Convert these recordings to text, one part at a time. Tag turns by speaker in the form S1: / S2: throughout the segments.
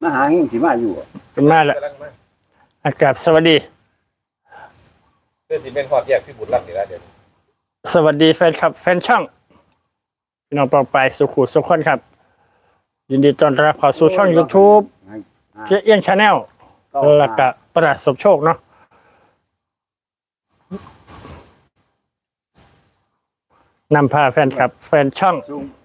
S1: มาหาเฮงสิมาอยู่อะ
S2: เป็นมาแล้วอากาศสวัสดี
S3: เพื่อสิเป็นความแยกพี่บุญรักนี่ละเดี๋ยว
S2: สวัสดีแฟนคลับ แฟนช่องพี่น้องปองไปสุขุสุขคนครับ ยินดีต้อนรับเข้าสู่ช่อง YouTube เพียเอียงชาแนลแล้วก็ประดับสมโชคเนาะนำพาแฟนคลับ แฟนช่อง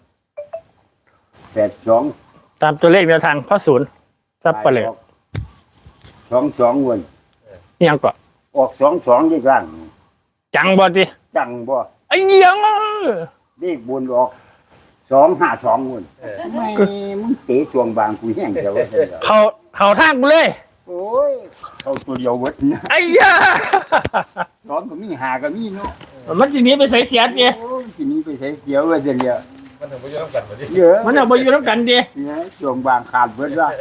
S1: 82
S2: ตามตัวเลขแนวทางพ่อศูนย์ซับไปเลย
S1: 22วัน
S2: ยังก็
S1: ออก22ด้วยกัน
S2: จังบ่ดิ
S1: จังบ่
S2: ไอ้เหี้ยัง
S1: เลขบนออก252วันไม่มึงเตะช่วงบางกูแห้งจะว่าซั่นเหรอ
S2: เขาทางกูเลย
S1: โอ้ยเข้าตัวเดียวเบิดนะ
S2: ไอ้เหี้ย
S1: สอนก็มีหาก็มีเนาะ
S2: มันทีนี้ไปใส่เสียดดิ
S1: โอ้ยทีนี้ไปใช้เกี่ยวว่าจะเรีย
S3: มันถึงไปยุ่งกันมาดิ
S1: เยอะ
S2: มันเอาไปอยู่น้ำกันดิ
S1: เนี่ยช่วงบางขาดเบิดว่า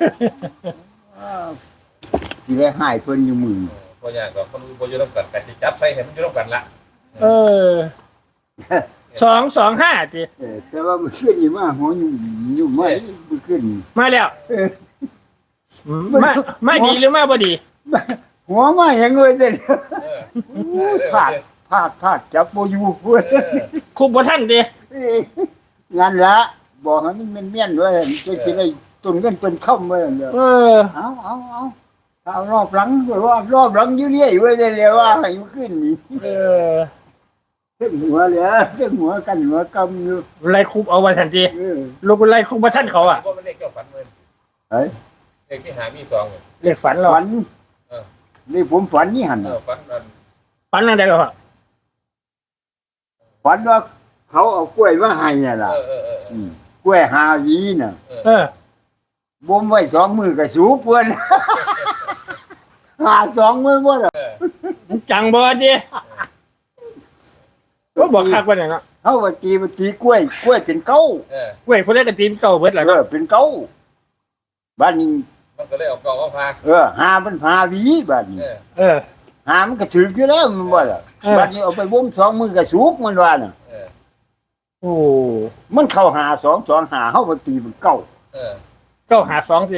S1: สิได้หายเพิ่นอยู่มือ
S3: พออย่างก็คนไปยุ่งกันกันที่จับใส่เห็นมันยุ่งกันละ
S2: เออ225ดิ
S1: แต่ว่ามันขึ้นอยู่มาหัวอยู่ไม่มันขึ้น
S2: มาแล้ว
S1: เออ
S2: ไม่ดีหรือไม่บ่ดี
S1: หัวมาอย่างเงี้ยเด้
S3: เออ
S1: พลาดจับโบอยู่เว้ย
S2: คุบบ่ทันดิ
S1: งานละบอกให้มันเมียนด้วยจะสิได้ตุนกันเป็นค่ำไว้เด้อ
S2: เออ
S1: เอารอบหลังไว้ว่ารอบหลังอยู่เรื่อยไว้เดี๋ยวว่าให้มันขึ้นนี่
S2: เออ
S1: เส้นหัวเลยเส้นหัวกันหัวกำอยู่
S2: ไล่คุบเอาไว้ทันทีลูกไล่คุบบ่ทันเขาอ่ะ
S3: ว่ามันเลขเจ้าฝันเงิน
S1: เฮ้ย
S3: เลขที่หามีสอง
S2: เรียกฝันเรา
S1: ฝันนี่ผมฝันนี่หัน
S3: ฝันนั่น
S2: ฝันอะไรก็พ่อ
S1: ฝันว่าเขาเอากล้วยมาให้น่ะล่ะกล้วยหาวีน่ะ
S2: เออ
S1: บ่มไว้2 มือก็สูบเพิ่น หา2 มือบ่ล่ะ
S2: จังบ่ดิก็บอกคักว่าเนี่ยเนาะ
S1: เฮาว่าตีกล้วยเป็นเก้า
S2: เว้ยผู้ใดก็ตีนเก่าเบิดล่ะเนาะ
S1: เป็นเก้าบ้านนี้
S3: มันก็เลยเอากองเอาพา
S1: หามันหาวีบ้านนี้
S2: เออ
S1: หามันก็ถึกอยู่แล้วมันบ่ล่ะบ้านนี้เอาไปบ่ม2 มือก็สูบมันว่าน่ะ
S2: โอ้
S1: มันเข้าหา2 2หาเฮาบ่ตีเป็นเก้า
S2: เก้าหาสองสิ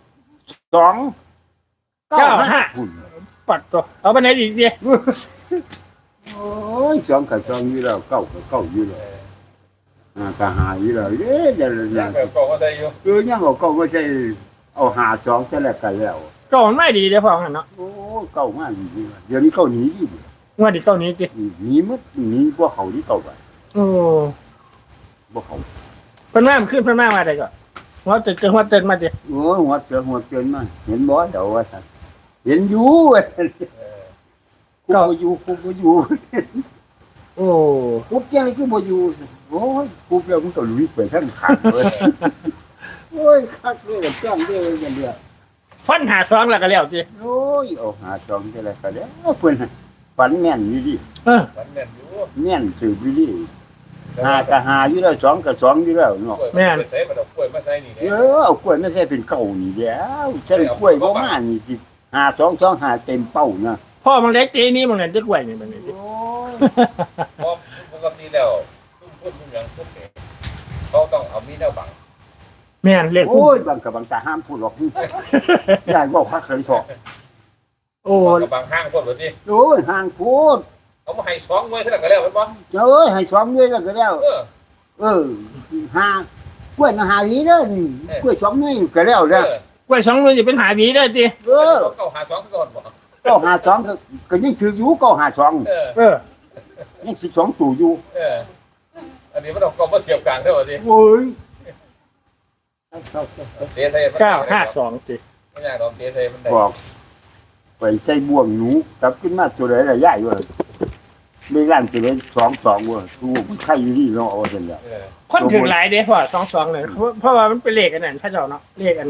S1: 2 9
S2: หุ่น ปัดตัวเอาไปไหนอีกดิ
S1: โอ้ย2กับ2อยู่แล้ว9กับ9อยู่แล้วก็หาอยู่แล้วเด้เดี๋ยว
S3: ยังแบบกองก็ได้อยู่
S1: ยังเอา9บ่ใช่เอาหา2ซะแล้วกันแล้ว
S2: ก็มันไม่ดีเด้อพ่อหั่นเนาะ
S1: โอ้เก่ามากจริงๆเดี๋ยวนี้เขาหนีดิ
S2: ว่าดิเก้านี้สิ
S1: หนีมัดหนีพวกเขาที่เก่าไป
S2: โอ้
S1: พวกเขา
S2: เพิ่นมาขึ้นเพิ่นมาได้ก็ว่าจะหัวเตือนมาดิ
S1: โอ้หัวเกินมาเห็นบ่เดี๋ยวว่าสันเห็นอยู่เว้ยกูบ่อยู่
S2: โอ้
S1: กูเจ้ากูบ่อยู่โอ้ยกูแล้วมึงก็ลุยไปทั้งขันเลยโอ้ยคักเลยจ้างเลยกันเดียว
S2: ฟันหาสองแล้วก็แล้วสิ
S1: โอ้ยเอาหาสองจะอะไรก็ได้เพิ่นฝันแม่นอยู่ดิ
S2: เออ
S3: ฝันแม่นอยู่
S1: แม่นสืบอยู่ดิหาก็หาอยู่แล้ว2กับ2อยู่แล้วเนาะ
S3: แม่นใส่มันเอากล้วยมาใส่นี่เนี่ย
S1: เอากล้วยไม่ใช่เป็นเก่านี่แล้วฉันกล้วยบ่มานี่สิหาเต็มเป้านะ
S2: พ่อมันเล็กจีนี่มันเล่นจะกล้วยนี่มันนี่สิ
S1: โอ้ย
S3: เพราะปกติแล้วพุ่มอย่างพวกนี้เขาต้องเอามีแนวบัง
S2: แม่นเล็ก
S1: โอ้ยบางกับบางตาห้ามพูดหรอกยายบอกพักเคยสอบ
S2: โอ้
S3: กับบางห้างคนแบบนี้
S1: โอ้ยห่างพูด
S3: เอามาให้2มวยเท่านั้นก็แล้วมันบ่
S1: เอ้ยให้ซ้อมด้วยแล้วก็แล้วหากล้วยมาหาวีเด้อนี่กล้วยซ้อมนี่ก็แล้วเด้อก
S2: ล้วยสองหน่วยจะเป็นหาหวีได้สิ
S3: เขาหา2ก่อนบ่
S1: ก็หาสองก็ยังถืออยู่ก็หาสอง
S2: เออ
S1: ยังสิ2ตู่อยู่
S3: อันนี้มันเอากองมาเสียบกลางเท่าไหร่
S1: โอ้ย
S3: เตะใส่
S2: 952สิ
S3: ไม่ยากดอกเตะใส่มันได้
S1: บอกไปใส่บ่วงหนูกลับขึ้นมาตัวใดล่ะยายว่าไม่ลั่นตัวใด2ว่าทูมันใครอยู่นี่เนาะเอาซั่นแหละ
S2: คนถึงหลายเด้พ่อ22เลยเพราะว่ามันเป็นเลขอันนั้นเขาเจ้าเนาะเลข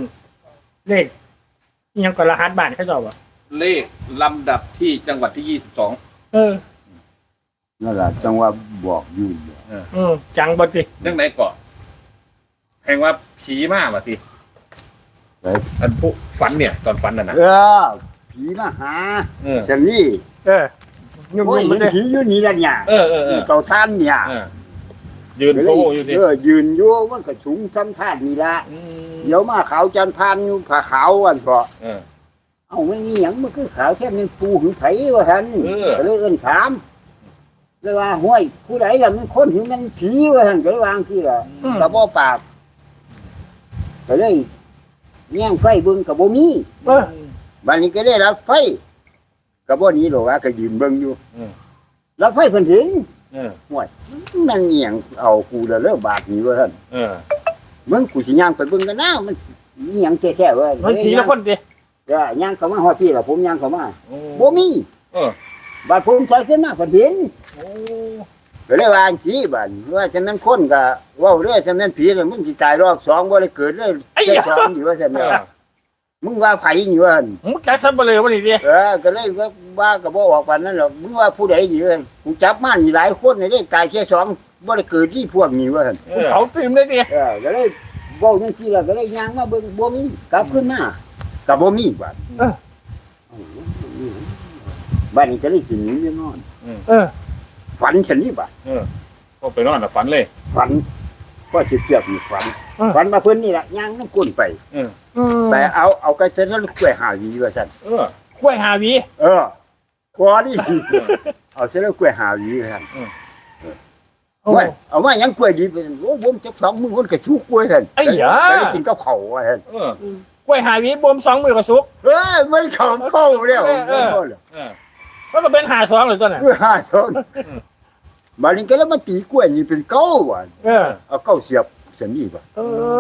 S2: ยังก็รหัสบ้านเขาเจ้าว่ะ
S3: เลขลำดับที่จังหวัดที่22
S2: เออ
S1: นั่นล่ะจังว่าบอกอยู่
S2: จังบ่สิ
S3: จังไหนก่อนแห่งว่าผีมากว่ะสิอันผู้ฝันเนี่ยตอนฝันน่ะนะ
S1: ผีมาหา
S3: เออ
S1: จังนี่
S2: เออยุ่ง
S1: โอ้ย
S2: ๆมันเด้
S1: ผีอยู่นี่ล่ะเนี่ย
S3: เออ
S1: เต่าท่านเนี่ย
S3: ยืนโป้อยู่ดิ
S1: ยืนอยู่มันก็สูงซ้ำท่านนี่ละเดี๋ยวมาขาวจันพานอยู่ผ้าขาววันก็เอามันนี่หยังมันคือขาวแค่เป็นปูหึงไผว่าท่านก็เลยเอิ้นถามเลยว่าห้วยผู้ใดล่ะมันคนหึงมันผีว่าท่านก็เลยวางที่ละกระบ่ปากก็เลยแย่งไฟเบิ่งก็บ่มี บัดนี้ก็ได้รับไฟก็บ่หนีหรอกว่าก็ยืนเบิ่งอยู่รับไฟเพิ่นถึงห่วยมันเอียงเอากูแล้วเลิกบาดนี้ว่าท่านมึงกูสิย่างไปเบิ่งกันนะมันเอียงแท้ๆเว้ย
S2: มันผีละคนดิ
S1: ย่างเข้ามาฮอดพี่ล่ะผมย่างเข้ามาบ่มีบาดผมใส่ขึ้นมาเพิ่นเห็นก็เลยว่าสิบาดว่าฉะนั้นคนก็เว้าเด้อฉะนั้นผีแล้วมึงสิตายรอบ2บ่ได้เกิดเลยแค่2อยู่ว่าซั่นมึงว่าไผนี่ว่า
S2: มึงจักซับเบลอวันนี้ดิ
S1: ก็เลยว่าก็บ่ออกปานนั้นหรอกมึงว่าผู้ใดนี่กูจับมานี่หลายคนนี่ได้ตายแค่2บ่ได้เกิดที่พวกนี้ว่าซั่น
S2: เขาตื่นเลยดิ
S1: ก็เลยเว้าจังซี่ล่ะก็เลยย่างมาเบิ่งบ่มีกลับขึ้นมาก็บ่มีบาดบัดนี้ก็เลยสิหนีไปนอนฝันฉันนี่บาด
S3: ก็ไปนอนฝันเลย
S1: ฝันก็สิเกียบนี่ฝันมาเพิ่นนี่ล่ะย่างน้ำก้นไปแต่เอากระเซ็นแล้วกล้วยหาวีว่าซั่น
S2: กล้วยหาวี
S1: พอดิเอาเสร็จแล้วกล้วยหาวีว่าซั่นเอามายังกล้วยดีเป็นโอ้ผมจัก2มื้อมันก็สุกกล้วยซั่นก็ได้กินกับข้าวว่าซั่น
S2: กล้วยหาวีบ่ม2 มื้อก็สุก
S1: มันเข้าแล้ว
S2: มันก็เป็น52เลยตัวน่ะ
S1: หา2บัดนี้ก็แล้วมันตีกล้วยนี่เป็นเก้าว่ะเอาเก้าเสียบเส้นนี้ป่ะ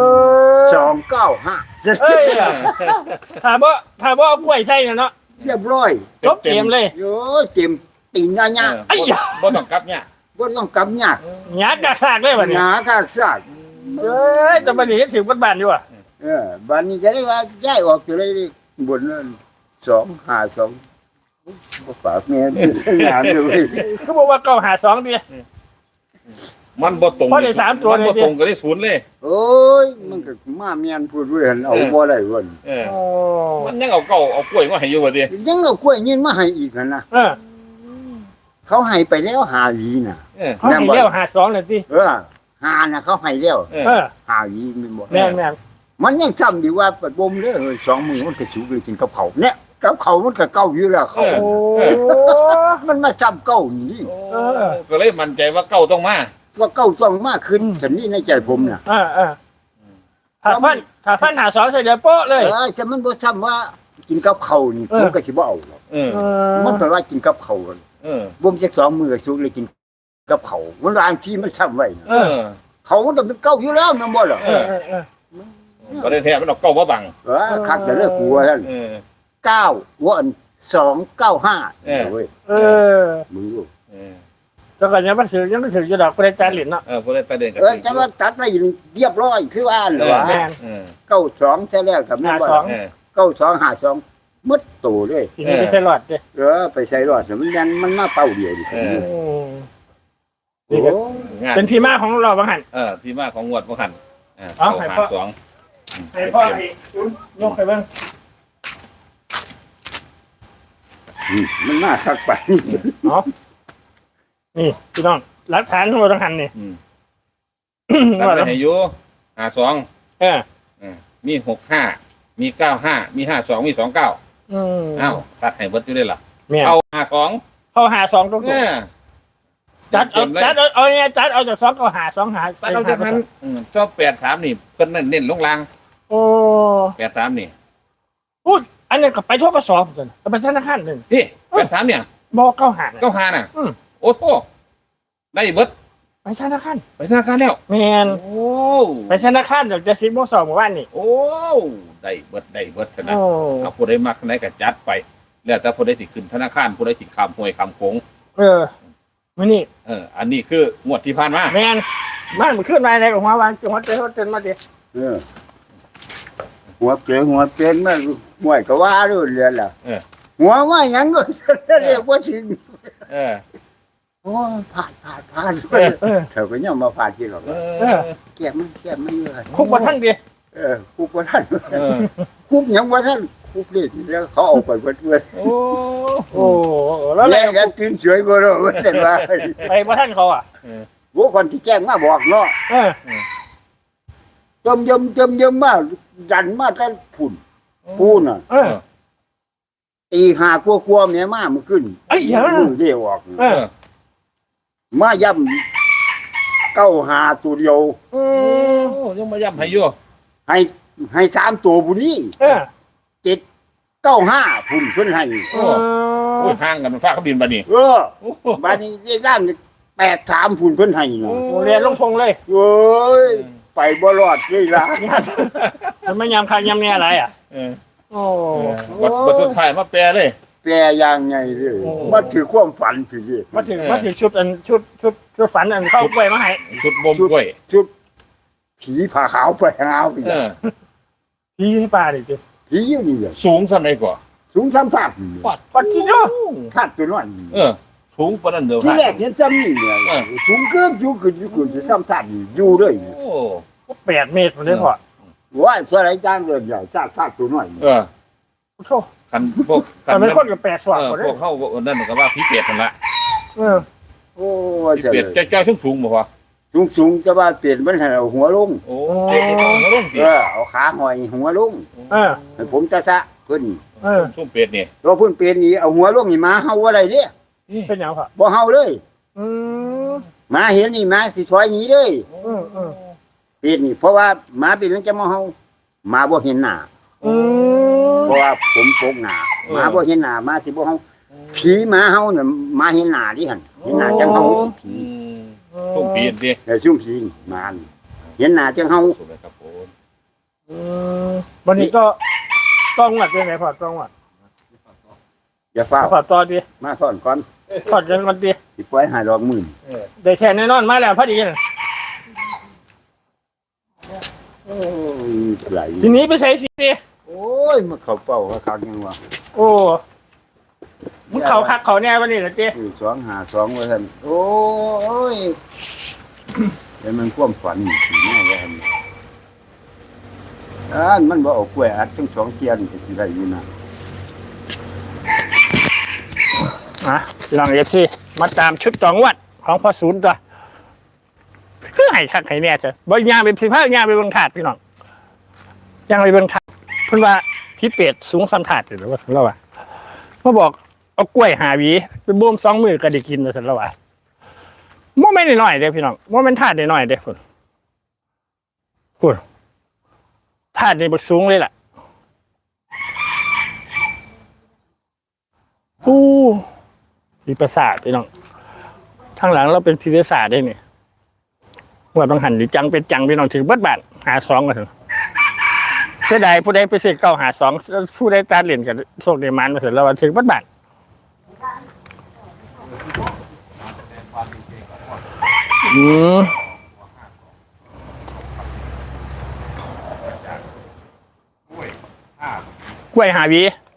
S1: 295
S2: เอ้ยถ้าบ่เอากล้วยใส่น่ะเนาะ
S1: เรียบร้อย
S2: จบเกมเลย
S1: โอ้ยเต็มตีนยะ
S3: บ่ต้องกลับเนี่ย
S1: บ่ต้องกำยาก
S2: หยาดกากซากเลยบัดนี้
S1: หาทากซาก
S2: แต่บัดนี้ถึงบ้านอยู่อ่ะ
S1: บัดนี้ก็ได้ว่าย้ายออกอยู่เลยบนนั้น252บ่ฝากแม่งานเลย
S2: คือบอกว่าเก่าหา2ดิ
S3: มันบ่ตรง
S2: เพราะได้3ตัว
S3: มันบ่ตรงก็ได้0เลย
S1: โอ้ยมันก็มาเมียนพูดด้วยหั่นเอาบ่ได้ว่น
S3: มันยังเอาเก่าเอากล้วยมาให้อยู่บ่ดิ
S1: ยังเอากล้วยยืนมาให้อีกหั่นน่ะเขาให้ไปแล้ว5หวีน่ะ
S2: เขาให้เลี้ยวหา2เลยสิ
S1: หาน่ะเขาให้แล้ว5หวีแม่นบ่
S2: แม่น
S1: มันยังจำดีว่าปัดบ่มเด้อเฮ้ย2มื้อมันก็สิไปกินกับข้าวเนี่ยกับข้าวมันก็เก่าอยู่แล้วเขามันมาจำเก่านี่
S3: ก็เลยมั่นใจว่าเก่าต้องมา
S1: ก็เก่าต้องมากขึ้นฉันนี่ในใจผมน่ะ
S2: ถ้าฟันหา2ใส่เดี๋ยวโป๊ะเลย
S1: จะมันบ่ซ้ำว่ากินกับข้าวนี่ผมก็สิบ่เอาหรอกมันแปลว่ากินกับข้าวบ่มจัก2มื้อก็สุกเลยกินกับข้าวมันบางทีมันซ้ำไว้เขามันต้องเป็นเก่าอยู่แล้วนำบ่ล่ะ
S3: ก็ได้แท้มันเอาเก่ามาบัง
S1: คักเด้อกูว่าซั่น9วัน295เว้ยมึงดู
S2: แล้วก็ยังมันถืออยู่ดอกประจานหลินเนาะ
S3: บ่ได้ประเด็นกัน
S1: จะว่าตัดไปเรียบร้อยคือว่าเหรอวะ92ใช่แล้วกับแม่บ่9252มึดโตเลย
S2: ทีนี้ไปใส่หลอดดิ
S1: ไปใส่รอดมันยันมันมาเป่าเดียวดิ
S2: เป็นที่มาของเราบางหัน
S3: ที่มาของงวดบ่คัน
S2: ให้พ่อให้ยกไปเบิ่ง
S1: มันน่าคักไป
S2: นี่พี่น้องหลักฐานของเราต้องหันนี่
S3: ตัดไปให้อยู่52มี65มี95มี52มี29อ้าวตัดให้เบิดอยู่ได้ล่ะเอา52
S2: เขาหา2ตรงจัดเอาเนี่ยจัดเอาจาก2ก็หา2หา
S3: ตัดเอาจากนั้นชอบ83นี่เพิ่นเน้นลงล่าง83นี่
S2: พูดอันนี้ก็ไปทั่วประสอบกันไปธนาคารนึง
S3: พี่83เนี่ย
S2: บ่95
S3: น่ะโอ้โหได้เบิด
S2: ไปธนาคาร
S3: แล้ว
S2: แม่นโอ้ไปธนาคารเดี๋ยวจะ10:02เมื่อวานนี่
S3: โอ้ได้เบิดซะนะเอาผู้ใดมักไหนก็จัดไปแล้วแต่ผู้ใดสิขึ้นธนาคารผู้ใดสิข้ามห้วยข้ามโขง
S2: มื้อนี้
S3: อันนี้คืองวดที่ผ่านมา
S2: แม่นมันขึ้นมาในหัววางจังหวัดเตือนมาดิ
S1: หัวเก๋หัวเป็นมาห่วยก็ว่าด้วยเรียนล่ะหัวว่าหยังก็เรียกว่าถึงโอ้ผ่านเธอก็ยังมาผ่านที่หรอกแก้มันอยู่
S2: คุกบ่ทันดิ
S1: คุกบ่ทันคุกหยังบ่ทันคุกนี่แล้วเขาเอาไปเบิด
S2: โอ้แล้ว
S1: ตื่นสวยบ่รู้ว่าแต่ว่า
S2: ไปบ่ทันเขา
S1: โว้คนที่แจ้งมาบอกเนาะ
S2: เออ
S1: จมยมมาดันมาแต่ฝุ่นปูน่ะ
S2: เออ
S1: ตีหากลัวเมียมามันขึ้น
S2: เอ้ยอย่า
S1: มือเดียวออก
S2: เออ
S1: มาย่ำ9 5ตัวเดียว
S2: อืม
S3: โอ้ยังมาย้ำให้อยู่
S1: ให้3ตัวผู้นี้
S2: เออ
S1: 7 9 5พุ่นเพิ่นให้
S3: โอ้ยห่างกันมันฟ้าเขาบินบัดนี้
S1: เออบัดนี้เรียกร่าง8 3พุ่นเพิ่นให้นะ
S2: โรงเรียนลงพงเลย
S1: เอ้ยไปบ่รอดเลยล่ะ
S2: มันไม่ยำคางยำเนี่ยอะไรอ่ะ
S3: เออ
S2: โอ้
S3: บัดสุดท้ายมาแปลเลย
S1: แปลอย่างไงเลยมาถือความฝันพี่ดิ
S2: มาถึงชุดอันชุดฝันอันเข้าไปมาให้
S3: ชุดบ่มกล้วย
S1: ชุดผีผ่าขาวไปหาวไป
S3: เออ
S2: พี่ที่ป่าดิจิ
S1: ผีอยู่นี่เลย
S3: สูงซำใดกว่า
S1: สูง3 3นี่
S2: ปัดกินเนาะ
S1: คาดตัวน้อย
S3: เออสูงปานนั้นเด้อ
S1: ที่แรกเห็นซ้ำนี่เนี่ยสูงเกินจะซ้ำๆนี่อยู่เลย
S3: โอ้
S2: 8 เมตรผมเลยพอ
S1: ว่าสไลจางเลยใหญ่ซากตัวน้อย
S3: เออ
S2: โอ้โห
S3: คันพวก
S2: แต่เป็นคนกับ8 สว่าง
S3: เออ
S2: คนเล
S3: พวย กเข้านั่นก็ว่าผีเป็ดนั่นละ
S2: เออ
S1: โอ้
S3: ผีเป็ดจ้อยๆสูงบ่วะ
S1: สูงจะว่าเปลี่ยนมันให้เอาหัวลง
S3: โอ้เป็ดนี่ต้องลงติ
S1: เอาขาหอยหัวลง
S2: เออ
S1: ให้ผมจะซะเพิ่น
S2: เออ
S3: ซุ่มเป็ดนี่
S1: เราเพิ่นเปลี่ยนนี่เอาหัวลงนี่มาเฮาอะไรเด้
S2: เป็นอย่างครับ
S1: บ่เฮาเลย
S2: อืม
S1: หมาเห็นนี่หมาสิถอยหนีเลย
S2: อืม
S1: เปลี่ยนนี่เพราะว่าหมาเป็นมันจะมาเฮาหมาบ่เห็นหน้า
S2: อืม
S1: เพราะว่าผมโปกหน้าหมาบ่เห็นหน้าหมาสิบ่เฮาผีหมาเฮาน่ะหมาเห็นหน้าดิหั่นเห็นหน้าจังเฮาผี
S3: ซุ่มเป็ดดิ
S1: แต่ซุ่มผีนี่หมานี่เห็นหน้าจังเฮา
S3: สุดเลยครับผม
S2: วันนี้ก็ต้องวัดเป็นไงพอต้องวัด
S1: อย่าฟ้า
S2: พอต่อดี
S1: มาสอนก่อน
S2: พอกันวันดี
S1: สิปล่อยหาดอกหมื่น
S2: ได้แทนแน่นอนมาแล้วพอดีน่ะ
S1: โอ้ยไหล
S2: ทีนี้ไปใส่สีดิ
S1: โอ้ยมันเข้าเป้าว่าคักยังวะ
S2: โอ้มึงเขาคักเขาแน่วันนี้เหรอเจ๊
S1: 252ว่าซั่นโอ้ยแต่มันความฝันสิแน่ว่าซั่นมันบ่เอากล้วยอัดทั้ง2เทียนก็สิได้อยู่นะ
S2: ลองเอฟซีมาตามชุด2 วัดของพ่อศูนย์ตัวคือให้คักให้แน่เถอะบ่ย่างเป็น15ย่างไปเบิ่งถาดพี่น้องย่างไปเบิ่งถาดเพิ่นว่าพี่เป็ดสูงซ้ำถาดอยู่แล้วว่าเราว่ามาบอกเอากล้วยหาหวีไปบ่ม2 มื้อก็ได้กินว่าซั่นแล้วว่าบ่แม่นน้อยๆเด้อพี่น้องบ่แม่นถาดน้อยๆเด้อพุ่นถาดนี่บักสูงเลยล่ะมีประสาทพี่น้องทางหลังเราเป็นพิประสาทได้เนี่ยว่าบางหันหรือจังเป็นจังพี่น้องถือบัดบาท52กันเถอะเสียดายผู้ใดไปเสก952ผู้ใดตาเหรียญกับโชคเดมันมาเสร็จแล้วว่าถือบัดบาทกล้วยหาวี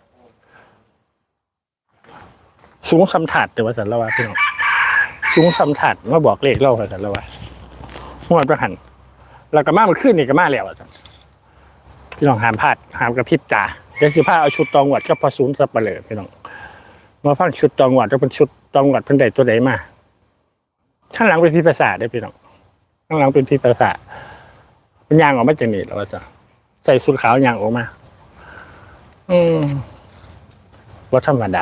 S2: สูงสำถัดแต่ว่าสันละวะพี่น้องสูงสำถัดมาบอกเลขเล่าสันละวะหัวประหันแล้วก็มามันขึ้นนี่ก็มาแล้วสันพี่น้องห้ามพลาดห้ามกระพริบตาเดี๋ยวสิพาเอาชุดตองหวัดก็พอศูนย์สับเปลือพี่น้องมาฟังชุดตองหวัดก็เป็นชุดตองหวัดเพิ่นใดตัวใดมาข้างหลังเป็นพิภาษาได้พี่น้องข้างหลังเป็นพิภาษาเป็นยางออกมาจากนี่แล้วว่าสันใส่สุดขาวยางออกมาว่าธรรมดา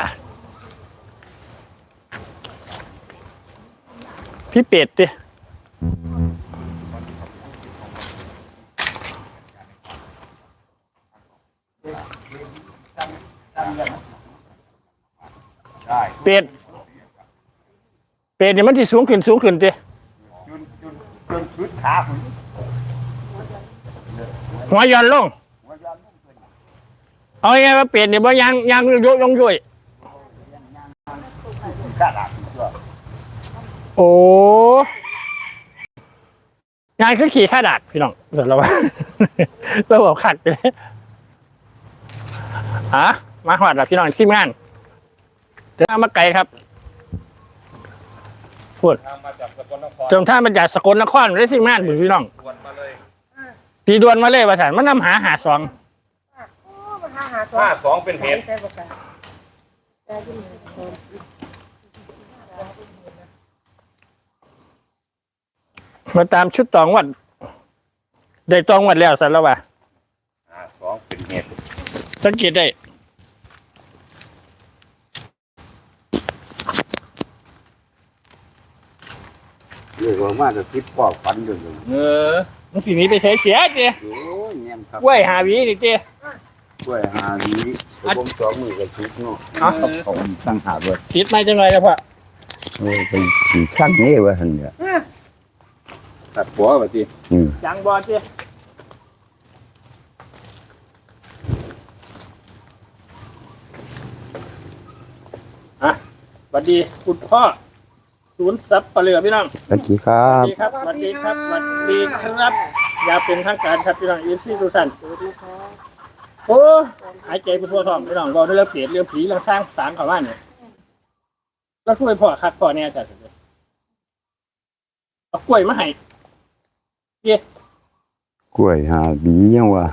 S2: พี่เป็ดดิเป็ดเนี่ยมันที่สูงขึ้นดิ
S1: จนชุดขาผม
S2: หัวย้อนลงเอาไงว่าเป็ดเนี่ยบ่ยังยงยุ่ย
S1: ขาดตัว
S2: โอ้งานคือขี่ข้าดักพี่น้องเสร็จแล้วว่าเราบอกขัดไปเลยมาหอดแล้วพี่น้องทีมงานเดินทางมาไกลครับพูดจนท่ามาจากสกลนครได้ทีมงานพี่น้องตีดวนมาเลยว่าสันมันนำหา2
S3: 52เป็นเหตุ
S2: มาตามชุดตองวัดได้ตองวัดแล้วสันแล้ววะ
S3: 2เป็นเหตุ
S2: สังเกตได้
S1: เรียกว่ามาจะคิดพ่อฝันอยู่
S2: มันปีนี้ไปใช้เสียเจ้
S1: โอ้ยเงี้ยครับ
S2: กล้วยหาหวีนี่เจ้
S1: กล้วยหาดีผมสองมือกับชุดเนาะ
S2: อ๋อ
S1: ผมตั้งหาเบิด
S2: คิดมาจังเลยแล้วพ่อ
S1: โอ้ยเป็นสีข้างนี้ว่าหันเนี่ย
S3: ตัดหัวไปที
S2: จังบอเจ้อ่ะสวัสดีคุณพ่อศูนย์ซับปะเหลือพี่น้อง
S1: สวัสดีครั
S2: สวั
S1: บ
S2: สดีครับสวัสดีครับสวัสดีครับอย่าเป็นทางการครับพี่น้องอีซี่ทุกท่านโอ้หายใจไปทั่วท้องพี่น้องบอกได้เรื่องเสียเรื่องผีเรื่องสร้างสางเขาบ้านเนี่ยแล้วช่วยพ่อคัดพ่อเนี่ยจ้ะเอากล้วยมาให้เย้
S1: กล้วยหาดียังวะ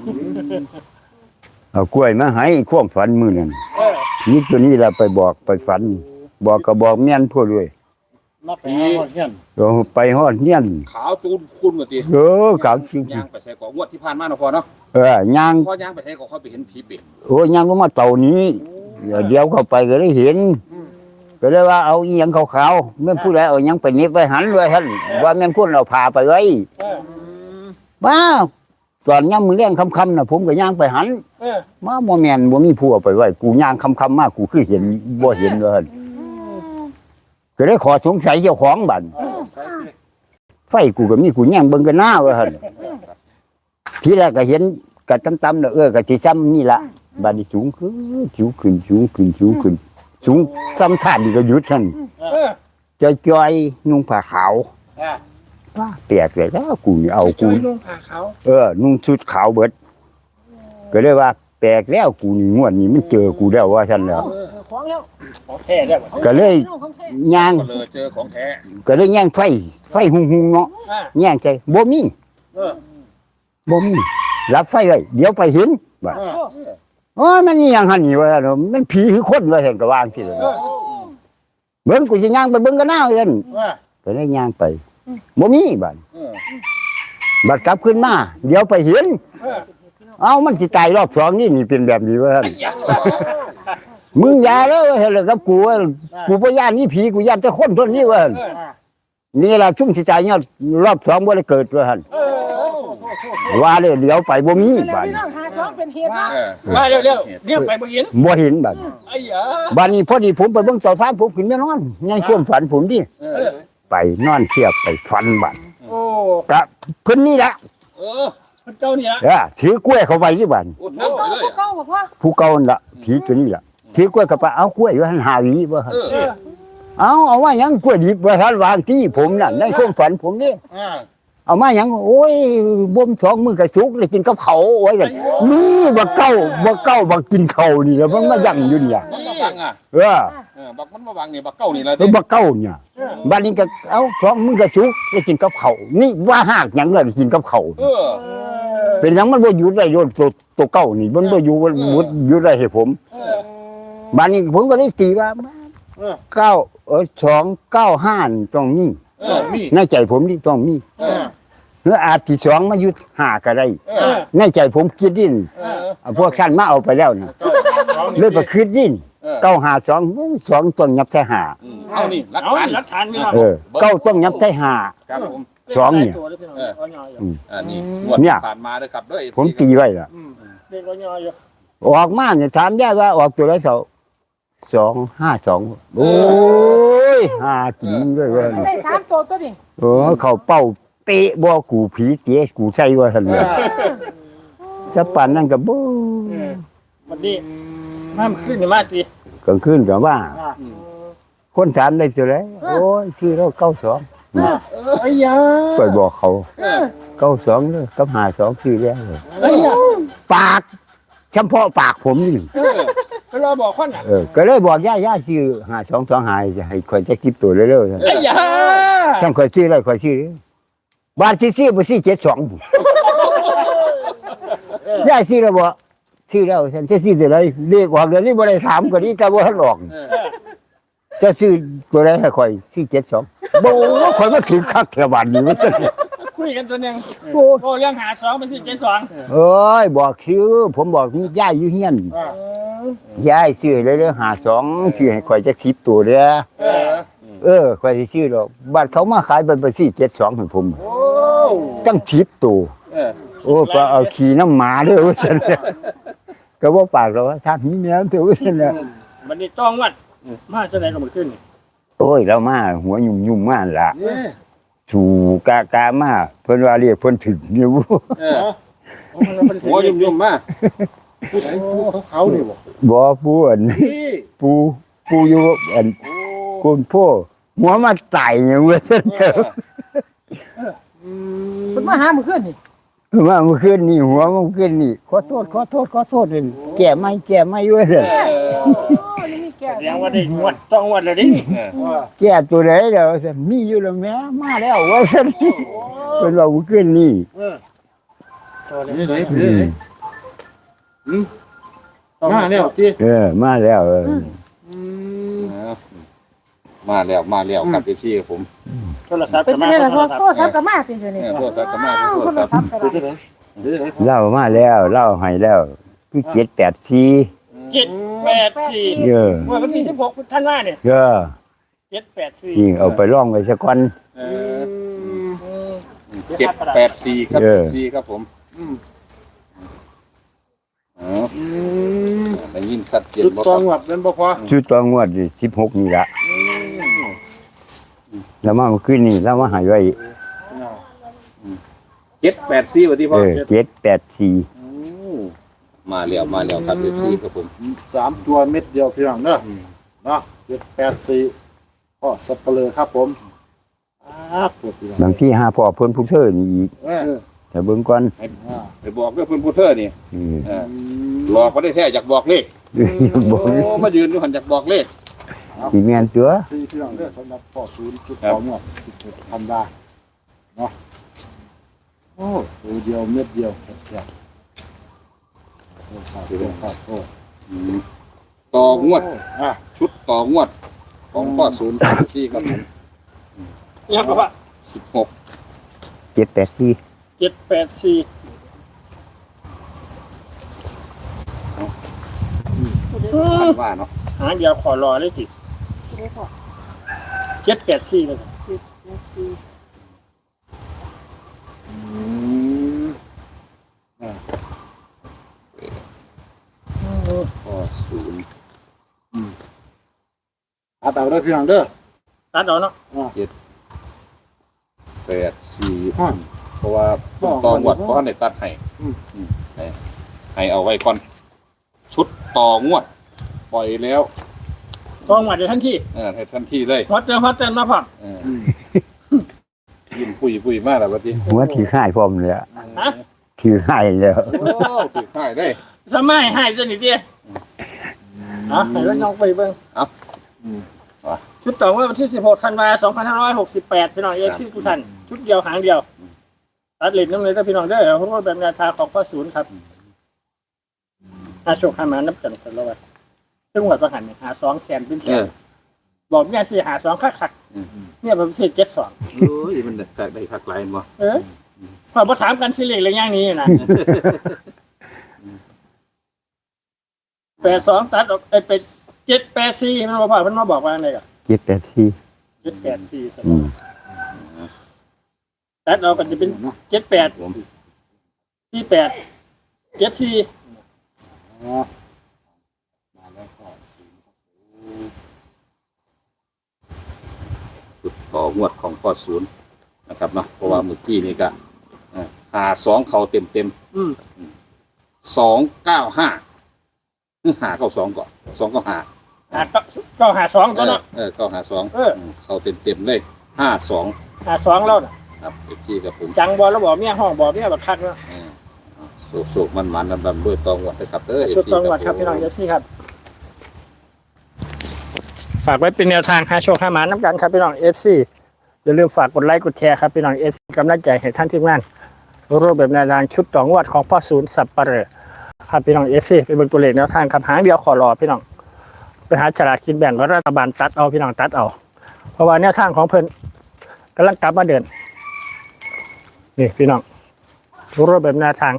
S1: เอากล้วยมาให้ความฝันมือนั่น
S2: เออ
S1: ผีตัวนี้เราไปบอกไปฝัน บอกก็บอกแม่นพวกด้วย
S3: มาผี
S1: เราไปฮอดเฮียน
S3: ขาวจูนคุณมาที
S1: กับจริง
S3: ย่างไปใส่กองวดที่ผ่านมาเนาะพอเนาะ
S1: ย่าง
S3: พอย่างไปใส่กองเขาไปเห็นผีเป็ด
S1: โอ้ย่างก็มาเต่านี้เดี๋ยวเข้าไปก็ได้เห็น ก็เลยว่าเอาอีหยังขาวๆแม่นผู้ใดเอาหยังไปนิบไว้หันเลยท่านว่าแม่นคนเราพาไปไว้
S2: เออ
S1: มาสอนย่างมือเลี้ยงคำๆน่ะผมก็ย่างไปหัน
S2: เออ
S1: มาบ่แม่นบ่มีผู้เอาไปไว้กูย่างคำๆมากกูคือเห็นบ่เห็นเลยหั่นก็เลยขอสงสัยเจ้าของบัดไฟกูก็มีกูย่างเบิ่งกันหน้าว่าหั่นทีแรกก็เห็นก็ต่ำๆน่ะก็สิซ้ำนี่ล่ะบัดนี้สูงขึ้นสูงขึ้นสูงขึ้นสูงขึ้นสูงซ้ำท่านนี่ก็หยุดหั่น
S2: เออ
S1: จอยๆนุ่งผ้าขาว
S2: อ่ะ
S1: ว่าแปลกเลยแล้วกูนี่เอา
S2: ไป
S1: กู
S2: ช่วยลุงผ่าเขา
S1: นุ่งชุดขาวเบิดก็เลยว่าแปลกแล้วกูนี่งวดนี้มันเจอกูแล้วว่าฉันแล้ว
S2: ของแล้วของแท้แล้ว
S1: ก็เลยย่าง
S3: ก็เลยเจอของแท้
S1: ก็เลยย่างไฟหุงๆเนาะ
S2: อ่ะ
S1: ย่างใจบ่มี
S3: เออ
S1: บ่มีรับไฟไว้เดี๋ยวไปเห็นว่า
S3: เออ
S1: โอ้ยมันนี่ยังหันนี่ว่าเนาะมันผีคือคนว่าเห็นก็วางสิเลย
S2: เออ
S1: เบิ่งกูสิย่างไปเบิ่งกันหน้าเอิ้น
S3: ว่า
S1: ก็เลยย่างไปบ่มีบัด
S3: เออ
S1: บัดกลับขึ้นมาเดี๋ยวไปเห็น
S2: เออ
S1: เอ้ามันสิตายรอบสองนี่เป็นแบบนี้ว่า
S2: ไอ้ยา
S1: มึงอย่าเลยเห็นเลยกับกูว่ากูพย่านนี่ผีกูย่านแต่คนทนนี่เว่า
S2: เออ
S1: นี่ล่ะชุ่มสิตายเนี่ยรอบสองบ่ได้เกิดว่าหั่น
S2: เออ
S1: ว่าเลยเดี๋ยวไปบ่มีบาด
S4: พี่น้องหาสองเป็นเหตุ
S3: เออ
S2: มาเร็วๆเรียกไปบ่เห็น
S1: บ่เห็นบาด
S2: ไอ้ยา
S1: บาดนี้พอดีผมไปเบิ่งเต่าซ่านผมขึ้นแม่นอนในความฝันผมดิ
S3: เออ
S1: ไปนอนเทียบไปฝันบาด
S2: โอ้
S1: กะเพิ่นนี่ล่ะ
S3: เออ
S2: พระเจ้าเนี่ย
S1: ถือกล้วยเข้าไปที่บาด
S3: โอ้ทั้งไปเลย
S4: เก้าบอกว่า
S1: ผู้เก่านั่นล่ะผีตัวนี้ล่ะถือกล้วยเข้าไปเอากล้วยอยู่หั่นหาหวีว่าหั่น
S3: เออ
S1: เอาว่าหยังกล้วยดิบว่าท่านวางที่ผมน่ะในความฝันผมนี่
S3: อ่า
S1: เอามาหยังโอ้ยบ่มสองมือกระสุกเลยกินกับเขาโอ้ยกันนี่บ่เก้าบ่กินเขานี่แล้วมันมายั่งอยู่เนี่ย
S3: มันมาบังอ่ะ
S1: เออ
S3: บักมันมาบังนี่บักเก้านี่ละ
S1: แล้วบ่เก้าเนี่ยบัดนี้ก็เอาสองมือกระสุกเลยกินกับเขานี่ว่าหากหยังเลยกินกับเขา
S3: เออ
S1: เป็นหยังมันบ่อยู่ได้โยนตัวเก้านี่มันบ่อยู่อยู่ได้ให้ผม
S2: เออ
S1: บัดนี้ผมก็ได้ตีว่าเก้า295นี่ต้องมี
S3: เออมี
S1: ในใจผมนี่ต้องมี
S3: เออ
S1: หรืออาจที่สองมายุด5ก็ได้
S3: เออ
S1: ในใจผมคิดดิน
S3: เออ
S1: พวกท่านมาเอาไปแล้วนะ เลยไปคืนดิน
S3: เออ
S1: เก้าหาสองสองต้องยับใส่หา
S3: เอานี่รัก
S2: เอา
S3: ฐาน
S2: หลักฐานพี่น้อง
S1: เก้าต้องยับใส่หา
S3: ครับผม
S1: สองเนี่ย
S3: นี่งวด
S1: เนี่ย
S3: ผ่านมาด้วยครับด้วย
S1: ผมตีไว้ล่ะ
S2: เด็กก็ยออยู่
S1: ออกมาเนี่ยถามได้ว่าออกตัวไร252โอ้ยหาจริงด้วยเว่า
S4: ได้สามตัวตัวนี่
S1: เขาเป้าเป๊ะบ่กูผีเสียกูใช่ว่าท่านเลยสปันนั่นก็บ่
S2: วันนี้น้ำขึ้นมาจี
S1: กลางคืนก็ว่า คนถามได้ตัวไรโอ้ยชื่อเรา92
S2: ไอ้ยา
S1: ไปบอกเขา
S3: เออ
S1: 92เลยกับ52ชื่อแล้วเลย
S2: ไอ้ยา
S1: ปากเฉพาะปากผมนี่
S2: ไปรอบอกคนอ่ะ
S1: ก็เลยบอกย่าชื่อ5225จะให้คอยจะคิดตัวเร็วๆท่าน
S2: ไอ้ยา
S1: ฉันคอยชื่ออะไรคอยชื่อเลยบาทที่ชื่อบ่ชื่อ72ย่าชื่อแล้วบ่ชื่อแล้วฉันจะชื่ออะไรเรียกออกเดี๋ยวนี้บ่ได้ถามก็นี้แต่บ่ทันออก
S3: เออ
S1: จะชื่อตัวใดให้คอยชื่อ72 โบ้ข่อยมาถึงคักแถวบ้านนี่ว่าซั่น
S2: คุยกันตัวหนึง
S1: โอ้
S2: โอ้เรื่องหา2เป็น4 7 2
S1: เอ้ยบอกชื่อผมบอกมียายอยู่เฮียนยายซื้อเลยเด้อ52ชื่อให้ข่อยจัก10ตัวเด้อข่อยสิซื้อดอกบัดเขามาขายบัดบ่4 72ให้ผมตั้ง10ตัวโอ้ก็เอาขี่น้ำหมาเด้อว่าซั่นก็บ่ปากหรอกว่าถ้ามีแมวเถอะว่าซั่นน่ะ
S2: บัดนี้ต้องวัดมาจังได๋ก็บ่ขึ้นนี่
S1: โอ้ยเรามาหัวยุ่มๆมาล่ะสู่กามาเพิ่นว่าเรียกเพิ่นถึงอยู่
S3: หัวยุ่มๆมา
S5: เขานี่บ่
S1: บ่ปูอันปูอยู่อันคุณพ่อหัวมาไต่อย่างว่าซั่นเด้อ
S4: เพิ่นมาหามื้อคืนนี่
S1: มาเมื่อคืนนี่หัวเมื่อคืนนี่ขอโทษนี่แก้ไม่ว่าซั่น
S4: โอ้นี่มีแก่
S2: แสดงว่าได้งวดต้องงวดแล้วดิ
S1: แก้ตัวไหนเด้อว่าซั่นมีอยู่แล้วแม่มาแล้วว่าซั่นเพิ่นว่าเมื่อคืนนี่
S5: นี่ไหนมาแล้วติ
S1: มาแล้ว
S3: มาแล้วครับพี่ครับผม
S2: โทรศัพท์
S4: เป็น
S2: ก็
S4: จั
S2: มาง
S4: ได๋ล่ะพ่อโทรศัพท์ก็มาติอยู่นี่
S3: โทรศัพท์ก็มา
S4: โทรศัพท์ก็
S5: เป็น
S4: ได้
S5: จังได๋
S1: เล่ามาแล้วเล่าให้แล้วคือ784
S2: 784
S1: เออ
S2: เมื่อวันที่16ธันวาเนี่ย
S1: เออ
S2: 784
S1: ยิงเอาไปล่องไว้ซะก่อน
S3: 784ครับพี่ครับผมได้ยินชัดเจน
S5: จุด
S3: บ่
S5: ต
S3: ค
S5: อ
S3: รั
S5: ง
S3: บ
S5: วัดเป็นบ่พอ
S1: ชุดตัวงวดนี่16นี่ละแล้วมาเมื่อคืนนี่แล้วมาหายไว้
S3: 784ว่าที่พ่อ
S1: 784
S3: มาแล้วครับพี่ครับผม
S5: 3ตัวเม็ดเดียวพี่น้องเด้อเนาะ784ก็สับเปลือครับผมปวดพี่น้อง
S1: บางที่หาพ่อเพิ่นผู้เธอนี่อีกแต่เบิ่งก่อน
S3: ไปบอกกับเพิ่นผู้เธอนี่
S1: อืม
S3: หลอกบ่ได้แท้อยากบอกเลข
S1: บอก
S3: โอ้มายืนอยู่หันอยากบอกเลข
S1: สิแม่นตัว
S5: 4พี่น้องเด้อสำหรับพ่อศูนย์จุดตองวัด16ธันวาเนาะโอ้ตัวเดียวเม็ดเดียวแซ่บโอ้
S3: ต่องวด
S5: อ่ะ
S3: ชุดต่องวด ของพ่อศูนย์ที่ครับผม
S2: ยังก็ว่า
S3: 16
S1: 784
S2: 784
S3: ธันวาเนาะ
S2: หาเดียวขอรอเลยสิ784เลย
S3: พ่อศูนย์
S5: เอาเอาเด้อพี่น้องเด้อ
S2: ตัดเอาเนาะ
S3: 84
S5: ห้อน
S3: เพราะว่าต่องวดเพราะในตัดให้ให้เอาไว้ก่อน ชุดต่องวด ปล่อยแล้ว
S2: ต้องมาเดี๋ยวทันที
S3: ให้ทันทีเลย
S2: พอเจอมาพร้อม
S3: ยิ้มปุยมากแล้ววันนี้
S1: หัวที่ค่ายพร้อมเลยอะ
S2: ฮะ
S1: ที่ค่ายแล้ว
S3: โอ้ถือค่ายได้
S2: สมัยให้ตัวนี้ดิให้แล้วน้องไปเบิ่งชุดต่อว่าวันที่16ธันวาคม2568พี่น้องเอฟซีผู้ทันชุดเดียวหางเดียวตัดเล่นน้ำเลยถ้าพี่น้องได้เพราะว่าแบบแนวทางของพ่อศูนย์ครับโชคหามานับกันกันแล้วว่าจังหวัดประหันหา2แสนเป็นแสนบอกเนี่ยสิหา2คักๆเนี่ยผมสิ72
S3: โอ้ยมันได้คักหลายบ่
S2: พอมาถามกันสิเลขอะไรอย่างนี้นะ82ตัดออกเป็น784มันบอกว่ามันมาบอกว่าอะไรกัน
S1: 784
S2: 784
S1: อืม
S2: ตัดออกกันจะเป็น78
S3: ผม
S2: 48 74
S3: จุดต่องวดของพ่อศูนย์นะครับเนาะเพราะว่าเมื่อกี้นี่ก็52เขาเต็ม295หาเข้า2ก่อน2ก็หา
S2: ก็หา2ตัวเนาะ
S3: ก็หา2เขาเต็มเลย52
S2: หา2แล้วน่ะ
S3: ครับพี่กับผม
S2: จังบ่แล้วบอกเมียห้องบอกเมียบักคักเนาะ
S3: สุกมันดำด้วยตองวดนะครับ
S2: ชุดตองวัดครับพี่น้องเอฟซีครับฝากไว้เป็นแนวทางหาโชคหาหมาน้ำกันครับพี่น้องเอฟซีอย่าลืมฝากกดไลค์กดแชร์ครับพี่น้องเอฟซีกำลังใจให้ท่านทีมงานรูปแบบแนวทางชุดต่องวดของพ่อศูนย์สับปะเหร่อครับพี่น้องเอฟซีเป็นเบนตัวเลขแนวทางครับหางเดียวขอรอพี่น้องไปหาฉลากกินแบ่งรัฐบาลตัดเอาพี่น้องตัดเอาเพราะว่าแนวทางของเพิ่นกำลังกลับมาเดินนี่พี่น้องรูปแบบแนวทาง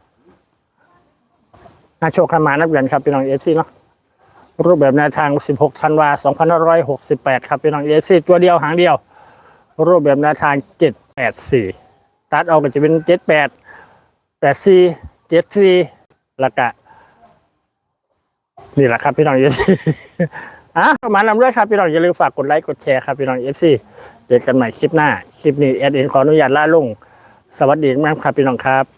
S2: นาโชคขมานับเงินครับพี่น้องเอฟซีเนาะรูปแบบแนวทาง16ธันวา2568ครับพี่น้องเอฟซีตัวเดียวหางเดียวรูปแบบแนวทาง784ตัดออกก็จะเป็น78 84 74แล้วก็นี่แหละครับพี่น้องเอฟซีประมาณนั้นด้วยครับพี่น้องอย่าลืมฝากกดไลค์กดแชร์ครับพี่น้องเอฟซีเจอกันใหม่คลิปหน้าคลิปนี้แอดเองขออนุญาตลาลงสวัสดีมากครับพี่น้องครับ